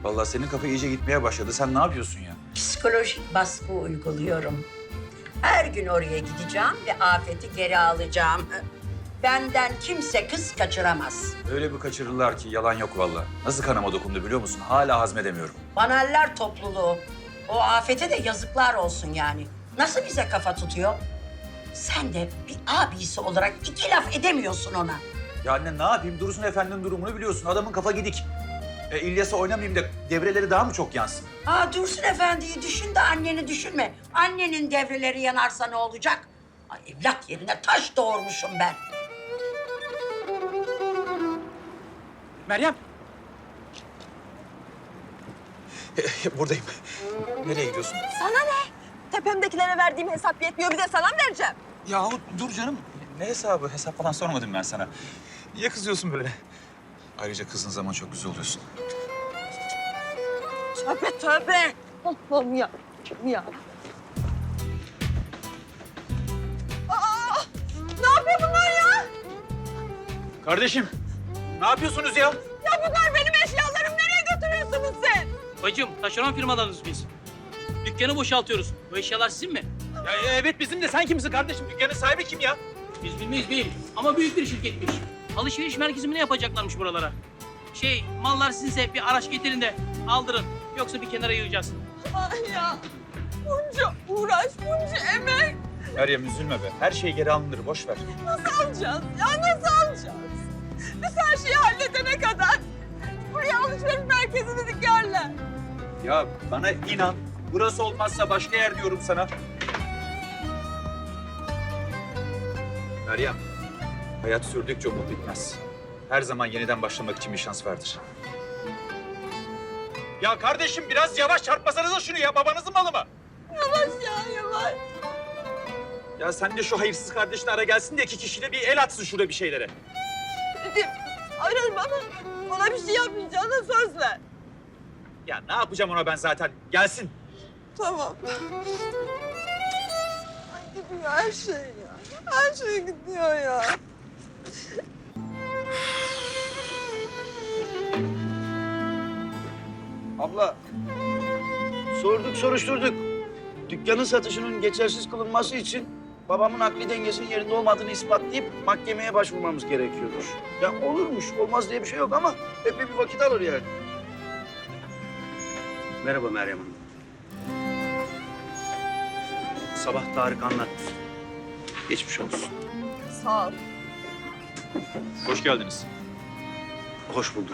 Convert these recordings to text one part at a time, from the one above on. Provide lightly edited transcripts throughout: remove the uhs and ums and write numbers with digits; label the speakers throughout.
Speaker 1: Vallahi senin kafa iyice gitmeye başladı. Sen ne yapıyorsun ya?
Speaker 2: Psikolojik baskı uyguluyorum. Her gün oraya gideceğim ve Afet'i geri alacağım. Benden kimse kız kaçıramaz.
Speaker 1: Öyle bir kaçırırlar ki yalan yok vallahi. Nasıl kanama dokundu biliyor musun? Hala hazmedemiyorum.
Speaker 2: Banaller topluluğu. O Afet'e de yazıklar olsun yani. Nasıl bize kafa tutuyor? Sen de bir abisi olarak iki laf edemiyorsun ona.
Speaker 1: Ya anne ne yapayım? Dursun Efendi'nin durumunu biliyorsun. Adamın kafa gidik. İlyas'a oynamayayım da devreleri daha mı çok yansın?
Speaker 2: Dursun Efendi'yi düşün de anneni düşünme. Annenin devreleri yanarsa ne olacak? Ay, evlat yerine taş doğurmuşum ben.
Speaker 1: Meryem. Buradayım. Nereye gidiyorsun?
Speaker 3: Sana ne? Tepemdekilere verdiğim hesap yetmiyor, bir de sana mı vereceğim?
Speaker 1: Yahu dur canım. Ne hesabı? Hesap falan sormadım ben sana. Niye kızıyorsun böyle? Ayrıca kızdığın zaman çok güzel oluyorsun.
Speaker 3: Tövbe tövbe. Allah'ım ya. Ya. Aa! Ne yapıyor bunlar ya?
Speaker 1: Kardeşim, ne yapıyorsunuz ya?
Speaker 3: Ya bunlar benim eşyalarım. Nereye götürüyorsunuz siz?
Speaker 4: Bacım, taşeron firmalarınız biz. Dükkanı boşaltıyoruz. Bu eşyalar sizin mi?
Speaker 1: Ya evet bizim de sen kimsin kardeşim? Dükkanın sahibi kim ya?
Speaker 4: Biz bilmeyiz beyim. Ama büyük bir şirketmiş. Alışveriş merkezi mi ne yapacaklarmış buralara? Mallar sizinse bir araç getirin de aldırın. Yoksa bir kenara yığacağız.
Speaker 3: Ay ya. Bunca uğraş, bunca emek.
Speaker 1: Meryem üzülme be. Her şey geri alınır. Boş ver.
Speaker 3: Nasıl alacağız ya? Nasıl alacağız? Biz her şeyi halledene kadar buraya alışveriş merkezini dikerler.
Speaker 1: Ya bana inan. Burası olmazsa başka yer diyorum sana. Meryem, hayat sürdükçe umut bitmez. Her zaman yeniden başlamak için bir şans vardır. Ya kardeşim biraz yavaş çarpmasanıza şunu ya. Babanızın malı mı?
Speaker 3: Yavaş ya, yavaş.
Speaker 1: Ya sen de şu hayırsız kardeşini ara gelsin de iki kişiyle bir el atsın şurada bir şeylere.
Speaker 3: Dedim, ararım ama ona bir şey yapmayacağına söz ver.
Speaker 1: Ya ne yapacağım ona ben zaten? Gelsin.
Speaker 3: Tamam. Ay gidiyor her şey ya. Her şey gidiyor ya.
Speaker 5: Abla, sorduk soruşturduk. Dükkanın satışının geçersiz kılınması için babamın akli dengesinin yerinde olmadığını ispatlayıp mahkemeye başvurmamız gerekiyordur. Ya olurmuş, olmaz diye bir şey yok ama epey bir vakit alır yani. Merhaba Meryem Hanım. Sabah Tarık anlattı. Geçmiş olsun.
Speaker 3: Sağ ol.
Speaker 1: Hoş geldiniz.
Speaker 5: Hoş bulduk.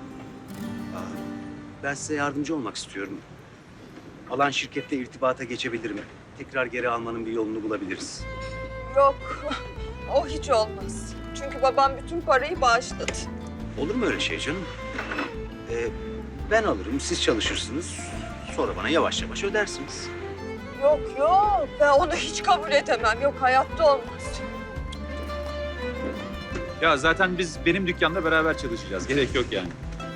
Speaker 5: Ben size yardımcı olmak istiyorum. Alan şirketle irtibata geçebilirim. Tekrar geri almanın bir yolunu bulabiliriz.
Speaker 3: Yok, o hiç olmaz. Çünkü babam bütün parayı bağışladı.
Speaker 5: Olur mu öyle şey canım? Ben alırım, siz çalışırsınız. Sonra bana yavaş yavaş ödersiniz.
Speaker 3: Yok yok, ben onu hiç kabul edemem. Yok, hayatta olmaz.
Speaker 1: Ya zaten biz benim dükkanda beraber çalışacağız. Gerek yok yani.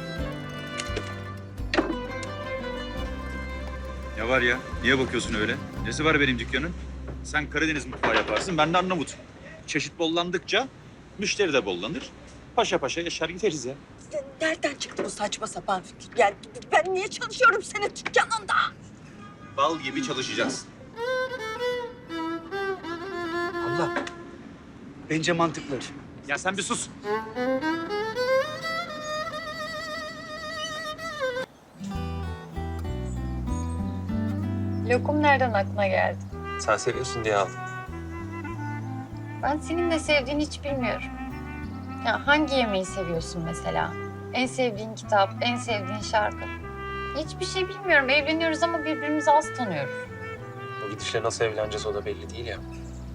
Speaker 1: Ya var ya, niye bakıyorsun öyle? Nesi var benim dükkanın? Sen Karadeniz mutfağı yaparsın, ben de Arnavut. Çeşit bollandıkça müşteri de bollanır. Paşa paşa yaşar gideriz ya.
Speaker 3: Nereden çıktı bu saçma sapan fikir? Yani ben niye çalışıyorum senin dükkanında?
Speaker 1: Bal gibi çalışacağız.
Speaker 5: Allah, bence mantıklı.
Speaker 1: Ya sen bir sus.
Speaker 6: Lokum nereden aklına geldi?
Speaker 7: Sen seviyorsun diye aldım.
Speaker 6: Ben senin ne sevdiğini hiç bilmiyorum. Ya hangi yemeği seviyorsun mesela? En sevdiğin kitap, en sevdiğin şarkı. Hiçbir şey bilmiyorum. Evleniyoruz ama birbirimizi az tanıyoruz.
Speaker 7: O gidişle nasıl evleneceğiz o da belli değil ya.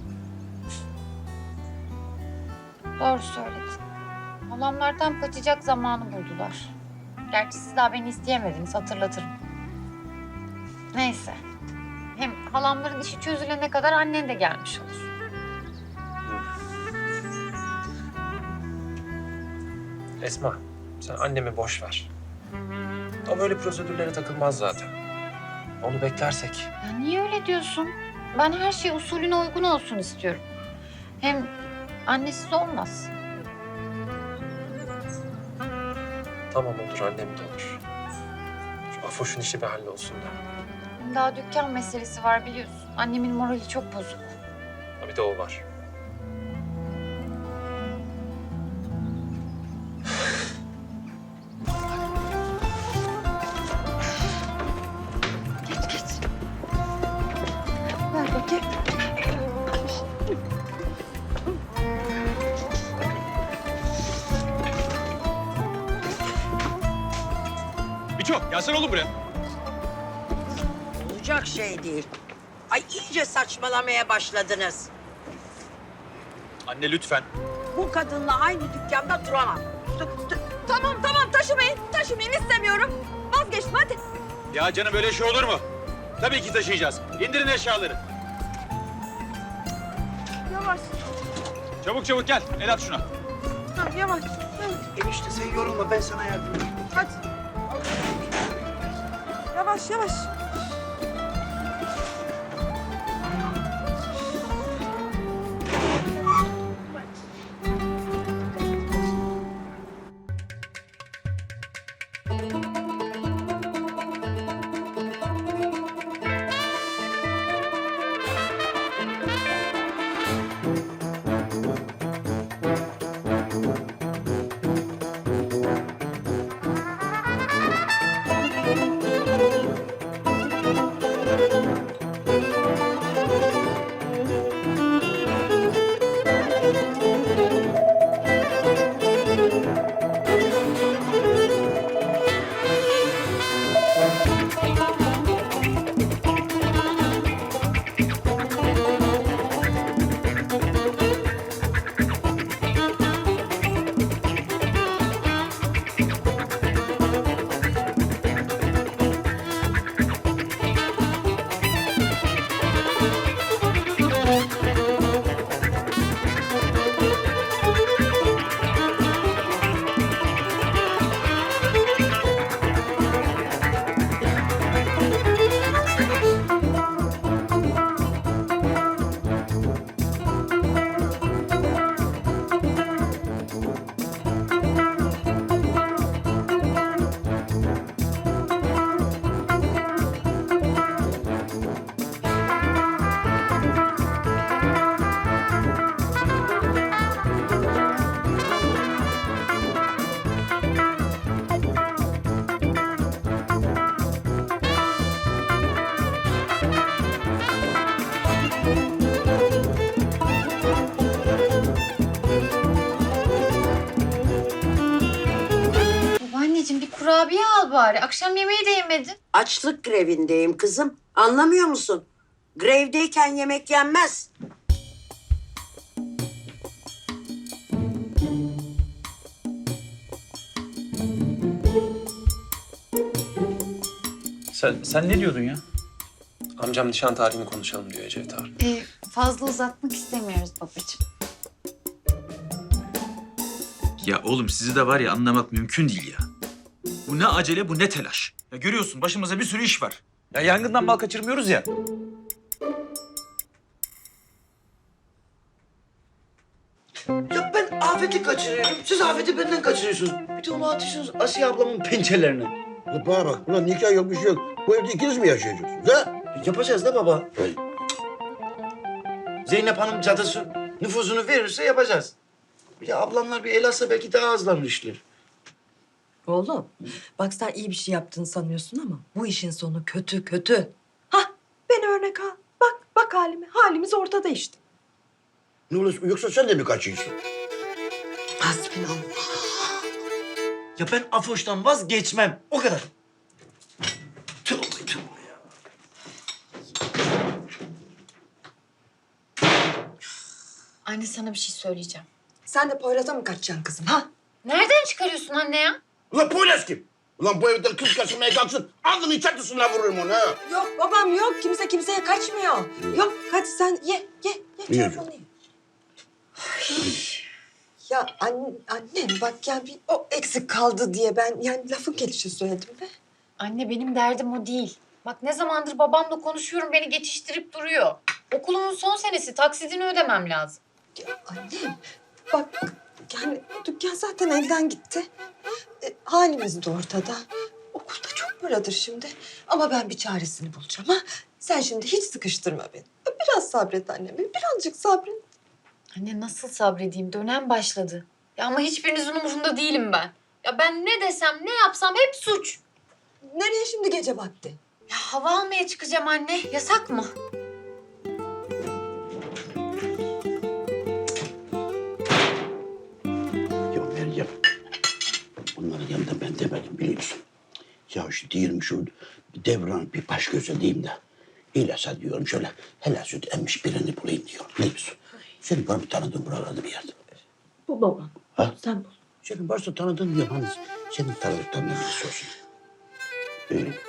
Speaker 6: Doğru söyledin. Halamlardan kaçacak zamanı buldular. Gerçi siz daha beni isteyemediniz, hatırlatırım. Neyse. Hem halamların işi çözülene kadar annen de gelmiş olur.
Speaker 7: Esma, sen annemi boş ver. O böyle prosedürlere takılmaz zaten. Onu beklersek.
Speaker 6: Ya niye öyle diyorsun? Ben her şey usulüne uygun olsun istiyorum. Hem annesiz olmaz.
Speaker 7: Tamam olur, annem de olur. Afoş'un işi bir hallolsun da.
Speaker 6: Daha dükkan meselesi var biliyorsun. Annemin morali çok bozuk.
Speaker 7: Ha, bir de o var.
Speaker 3: Ver bakayım.
Speaker 1: Miço gelsene oğlum buraya.
Speaker 2: Olacak şey değil. Ay iyice saçmalamaya başladınız.
Speaker 1: Anne lütfen.
Speaker 2: Bu kadınla aynı dükkanda duramam.
Speaker 3: Tamam taşımayın istemiyorum. Vazgeçtim hadi.
Speaker 1: Ya canım böyle şey olur mu? Tabii ki taşıyacağız. İndirin eşyaları.
Speaker 3: Yavaş.
Speaker 1: Çabuk çabuk gel. El at şuna.
Speaker 3: Ha, yavaş.
Speaker 5: Enişte sen yorulma, ben sana yardım edeyim.
Speaker 3: Hadi. Yavaş.
Speaker 6: Babaanneciğim bir kurabiye al bari. Akşam yemeği de yemedin.
Speaker 2: Açlık grevindeyim kızım. Anlamıyor musun? Grevdeyken yemek yenmez.
Speaker 1: Sen ne diyordun ya?
Speaker 7: Amcam nişan tarihini konuşalım diyor Ecevit abi.
Speaker 6: Fazla uzatmak istemiyoruz babacığım.
Speaker 1: Ya oğlum sizi de var ya anlamak mümkün değil ya. Bu ne acele bu ne telaş. Ya görüyorsun başımıza bir sürü iş var. Ya yangından mal kaçırmıyoruz ya.
Speaker 5: Ya ben Afet'i kaçırıyorum, siz Afet'i benden kaçırıyorsunuz. Bir de onu atıyorsunuz Asiye ablamın pençelerine.
Speaker 8: Ulan bana bak, ulan nikah yok bir şey yok. Bu evde ikiniz mi yaşayacaksınız ha?
Speaker 5: Yapacağız da baba.
Speaker 8: Hey.
Speaker 5: Zeynep Hanım cadısı nüfuzunu verirse yapacağız. Bir de ablamlar bir el atsa belki daha hızlanır işler.
Speaker 9: Oğlum, bak sen iyi bir şey yaptığını sanıyorsun ama bu işin sonu kötü. Hah, beni örnek al. Bak halime. Halimiz ortada işte.
Speaker 8: Ne olursa yoksa sen de mi kaçıyorsun?
Speaker 9: Hasbinallah.
Speaker 5: Ya ben Afoş'tan vazgeçmem. O kadar. Tövbe ya.
Speaker 6: Anne sana bir şey söyleyeceğim.
Speaker 9: Sen de Poyraz'a mı kaçacaksın kızım ha?
Speaker 6: Nereden çıkarıyorsun anne ya?
Speaker 8: Ulan Poyraz kim? Ulan bu evden kız kaçırmaya kalksın. Alnının çatısına vururum onu ha.
Speaker 9: Yok babam yok. Kimse kimseye kaçmıyor. Yok hadi sen ye. Çorbanı ye. Ya annem bak ya bir o eksik kaldı diye ben yani lafın gelişi söyledim be.
Speaker 6: Anne benim derdim o değil. Bak ne zamandır babamla konuşuyorum beni geçiştirip duruyor. Okulumun son senesi taksidini ödemem lazım.
Speaker 9: Ya annem bak yani dükkan zaten elden gitti. Halimiz de ortada. okulda çok paradır şimdi. Ama ben bir çaresini bulacağım ha. Sen şimdi hiç sıkıştırma beni. Biraz sabret annem, birazcık sabret.
Speaker 6: Anne nasıl sabredeyim? Dönem başladı. Ya ama hiçbirinizin umurunda değilim ben. Ya ben ne desem, ne yapsam hep suç.
Speaker 9: Nereye şimdi gece vakti?
Speaker 6: Ya hava almaya çıkacağım anne. Yasak mı?
Speaker 8: Ya Meryem, bunların yanında ben demedim biliyorsun. Ya şu diyelim şu Devran bir baş göze diyeyim de. İlyas'a diyorum şöyle helal süt emmiş birini bulayım diyorum. Ne diyorsun? Senin var bir tanıdığın buralarda bir yerde.
Speaker 9: Bu babam.
Speaker 8: Ha?
Speaker 9: Sen bul.
Speaker 8: Senin varsa tanıdığın diyorum. Hani senin tanıdıklarından birisi olsun.